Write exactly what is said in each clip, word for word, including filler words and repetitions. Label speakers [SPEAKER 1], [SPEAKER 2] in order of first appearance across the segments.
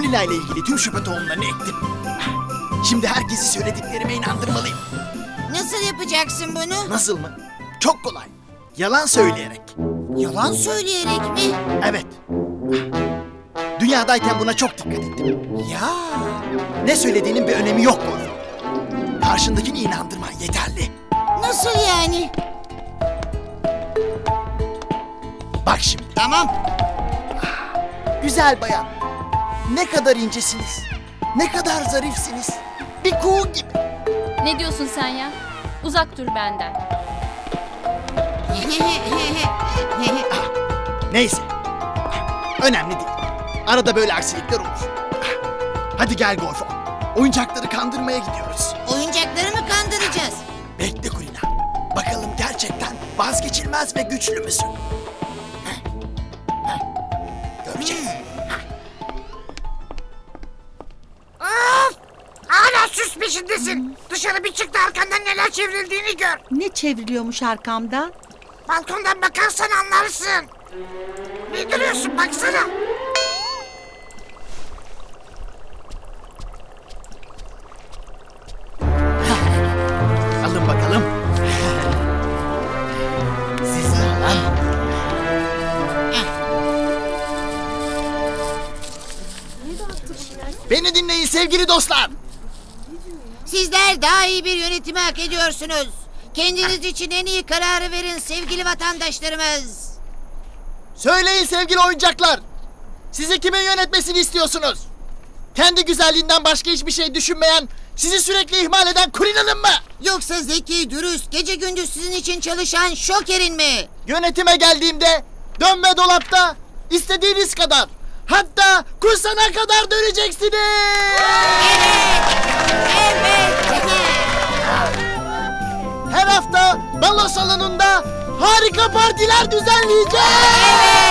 [SPEAKER 1] Kulina ile ilgili tüm şüphe tohumlarını ektim. Şimdi herkesi söylediklerime inandırmalıyım.
[SPEAKER 2] Nasıl yapacaksın bunu?
[SPEAKER 1] Nasıl mı? Çok kolay. Yalan söyleyerek.
[SPEAKER 2] Yalan söyleyerek mi?
[SPEAKER 1] Evet. Dünyadayken buna çok dikkat ettim.
[SPEAKER 2] Ya.
[SPEAKER 1] Ne söylediğinin bir önemi yok Gorfo. Karşındakini inandırman yeterli.
[SPEAKER 2] Nasıl yani?
[SPEAKER 1] Bak şimdi.
[SPEAKER 2] Tamam.
[SPEAKER 1] Güzel bayan. Ne kadar incesiniz. Ne kadar zarifsiniz. Bir kuğu gibi.
[SPEAKER 3] Ne diyorsun sen ya? Uzak dur benden.
[SPEAKER 1] Neyse. Önemli değil. Arada böyle aksilikler olur. Hadi gel Gorfo. Oyuncakları kandırmaya gidiyoruz.
[SPEAKER 2] Oyuncakları mı kandıracağız?
[SPEAKER 1] Bekle Kulina. Bakalım gerçekten vazgeçilmez ve güçlü müsün? Heh. Heh. Göreceğiz.
[SPEAKER 4] Of! Hala süs peşindesin. Dışarı bir çık da arkandan neler çevrildiğini gör.
[SPEAKER 5] Ne çevriliyormuş arkamdan?
[SPEAKER 4] Balkondan bakarsan anlarsın. Ne duruyorsun baksana.
[SPEAKER 1] Alın bakalım. Sizi alan. Beni dinleyin sevgili dostlar.
[SPEAKER 2] Sizler daha iyi bir yönetimi hak ediyorsunuz. Kendiniz için en iyi kararı verin sevgili vatandaşlarımız.
[SPEAKER 1] Söyleyin sevgili oyuncaklar. Sizi kimin yönetmesini istiyorsunuz? Kendi güzelliğinden başka hiçbir şey düşünmeyen, sizi sürekli ihmal eden Kulina'nın mı?
[SPEAKER 2] Yoksa zeki, dürüst, gece gündüz sizin için çalışan Şoker'in mi?
[SPEAKER 1] Yönetime geldiğimde dönme dolapta istediğiniz kadar, hatta kusana kadar döneceksiniz.
[SPEAKER 2] Evet.
[SPEAKER 1] Her hafta balo salonunda harika partiler düzenleyeceğiz.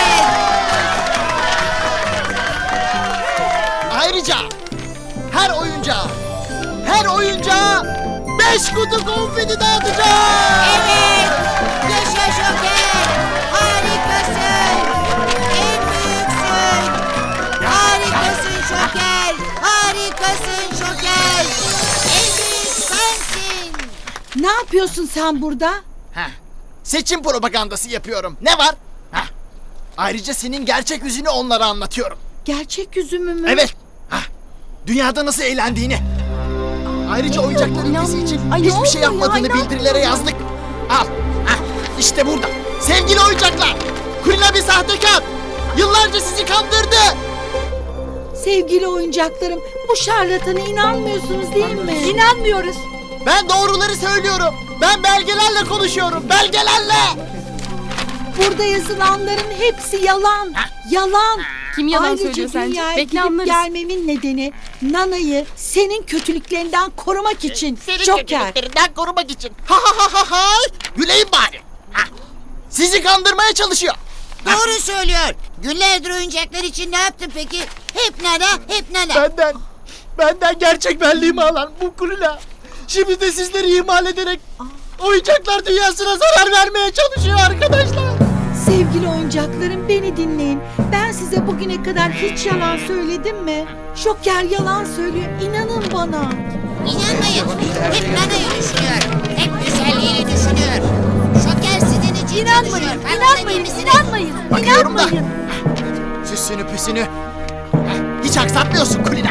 [SPEAKER 1] Ayrıca her oyuncağa, her oyuncağa beş kutu konfeti dağıtacağız.
[SPEAKER 2] Evet. Yaşa Şoker. Harikasın. En büyüksün. Harikasın Şoker. Harikasın Şoker. En büyük sensin.
[SPEAKER 5] Ne yapıyorsun sen burada?
[SPEAKER 1] Heh. Seçim propagandası yapıyorum. Ne var? Heh. Ayrıca senin gerçek yüzünü onlara anlatıyorum.
[SPEAKER 5] Gerçek yüzümü mü?
[SPEAKER 1] Evet. Heh. Dünyada nasıl eğlendiğini. Ayrıca oyuncakların ülkesi için
[SPEAKER 5] Ay, ne
[SPEAKER 1] hiçbir şey
[SPEAKER 5] oluyor ya?
[SPEAKER 1] yapmadığını bildirilere yazdık. Al. Heh. İşte burada. Sevgili oyuncaklar. Kulina bir sahtekar. Yıllarca sizi kandırdı.
[SPEAKER 5] Sevgili oyuncaklarım, bu şarlatana inanmıyorsunuz değil mi? İnanmıyoruz.
[SPEAKER 1] Ben doğruları söylüyorum. Ben belgelerle konuşuyorum. Belgelerle.
[SPEAKER 5] Burada yazılanların hepsi yalan. Yalan.
[SPEAKER 3] Kim yalan
[SPEAKER 5] Ayrıca
[SPEAKER 3] söylüyor sence?
[SPEAKER 5] dünyaya
[SPEAKER 3] Bekle
[SPEAKER 5] gidip
[SPEAKER 3] anlarız.
[SPEAKER 5] gelmemin nedeni Nana'yı senin kötülüklerinden korumak için.
[SPEAKER 1] Senin
[SPEAKER 5] Joker.
[SPEAKER 1] kötülüklerinden korumak için. Ha ha ha ha ha. Güleyim bari. Ha. Sizi kandırmaya çalışıyor.
[SPEAKER 2] Doğru söylüyor. Günlerdir oyuncaklar için ne yaptın peki? Hep nana, hep nana.
[SPEAKER 1] Benden, benden gerçek benliğimi alan bu Kulina. Şimdi de sizleri ihmal ederek oyuncaklar dünyasına zarar vermeye çalışıyor arkadaşlar.
[SPEAKER 5] Sevgili oyuncaklarım, beni dinleyin. Ben size bugüne kadar hiç yalan söyledim mi? Joker yalan söylüyor. İnanın bana.
[SPEAKER 2] İnanmayın. Hep nanayı düşünüyor. Hep güzelliğini düşünüyor. Şoker sizin için
[SPEAKER 5] İnanmayın,
[SPEAKER 2] çalışıyor. Farkında değil
[SPEAKER 5] inanmayın,
[SPEAKER 2] misiniz?
[SPEAKER 5] inanmayın.
[SPEAKER 1] Bakıyorum da.
[SPEAKER 5] İnanmayın.
[SPEAKER 1] Süsünü püsünü. Hiç aksatmıyorsun Kulina.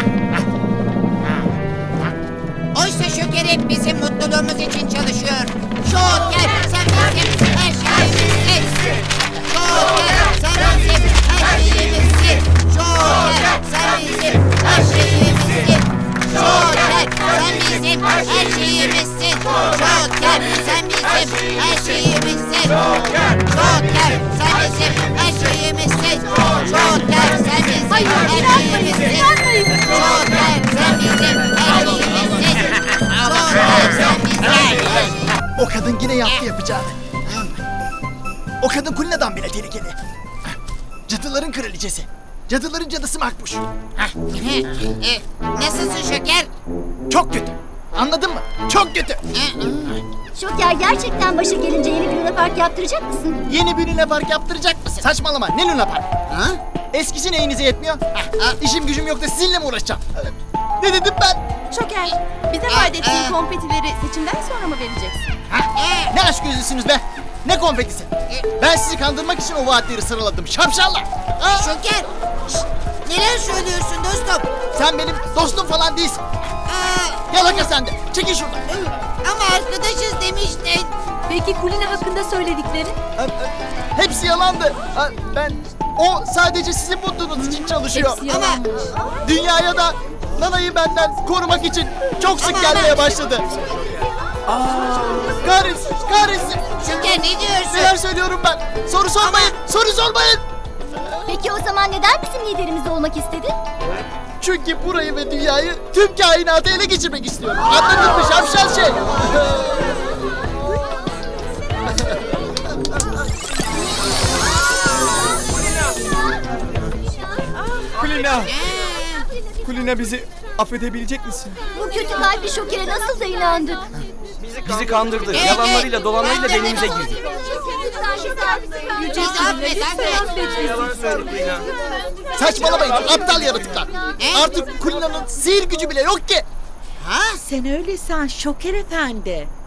[SPEAKER 2] Oysa Şoker hep bizim mutluluğumuz için çalışıyor. Şoker sen bizim her şeyimizsin. Şoker sen bizim her şeyimizsin. Şoker sen bizim her şeyimizsin. Şoker sen bizim her şeyimizsin. Şoker sen bizim her şeyimizsin. Şoker sen bizim her şeyimizsin. Şoker sen bizim her şeyimizsin. Şoker sen bizim her şeyimizsin. Şoker sen bizim her şeyimizsin.
[SPEAKER 1] O kadın yine yaptı yapacağını. O kadın Kulina'dan bile tehlikeli. Cadıların kraliçesi. Cadıların cadısı Makbuş.
[SPEAKER 2] E, Nasılsın Şoker?
[SPEAKER 1] Çok kötü. Anladın mı? Çok kötü.
[SPEAKER 6] Şoker, gerçekten başı gelince yeni bir Luna Park yaptıracak mısın?
[SPEAKER 1] Yeni bir Luna Park yaptıracak mısın? Saçmalama. Ne Luna Park?
[SPEAKER 2] Ha?
[SPEAKER 1] Eskisi neyinize yetmiyor? Ha, ha, işim gücüm yok da sizinle mi uğraşacağım? Ne dedim ben?
[SPEAKER 7] Şoker, bize vaat ettiğin konfetileri seçimden sonra mı vereceksin?
[SPEAKER 1] Ne aşk gözlüsünüz be? Ne konfetisi? Ben sizi kandırmak için o vaatleri sıraladım. Şapşallar. Aa,
[SPEAKER 2] Şoker. Şşt, neler söylüyorsun dostum?
[SPEAKER 1] sen benim dostum falan değilsin.
[SPEAKER 2] Aa,
[SPEAKER 1] Yalaka sen de. Çekil şuradan.
[SPEAKER 2] ama arkadaşız demiştin.
[SPEAKER 7] Peki Kulina hakkında söyledikleri?
[SPEAKER 1] Ha, ha, Hepsi yalandı. Ha, Ben o sadece sizin mutluluğunuz için çalışıyor.
[SPEAKER 7] Hepsi yalanmış.
[SPEAKER 1] Dünyaya da Nana'yı benden korumak için çok sık
[SPEAKER 2] Ama-
[SPEAKER 1] gelmeye
[SPEAKER 2] ama-
[SPEAKER 1] başladı. Kahretsin, kahretsin.
[SPEAKER 2] Şoker ne diyorsun?
[SPEAKER 1] Neler söylüyorum ben? Soru sormayın, soru sormayın.
[SPEAKER 6] Peki o zaman neden bizim liderimiz olmak istedi?
[SPEAKER 1] Çünkü burayı ve dünyayı tüm kainatı ele geçirmek istiyorum. Anladın mı şapşal şey?
[SPEAKER 8] Kulina! Kulina bizi affedebilecek misin?
[SPEAKER 6] Bu kötü kalpli Şoker'e nasıl da inandık?
[SPEAKER 8] Bizi kandırdı.
[SPEAKER 2] Evet,
[SPEAKER 8] Yalanlarıyla dolanlarıyla
[SPEAKER 2] evet.
[SPEAKER 8] devimize girdi.
[SPEAKER 2] Bizi affet affet.
[SPEAKER 1] Saçmalamayın aptal yaratıklar. Artık Kulina'nın sihir gücü bile yok ki.
[SPEAKER 2] Ha?
[SPEAKER 5] Sen öyle san Şoker Efendi.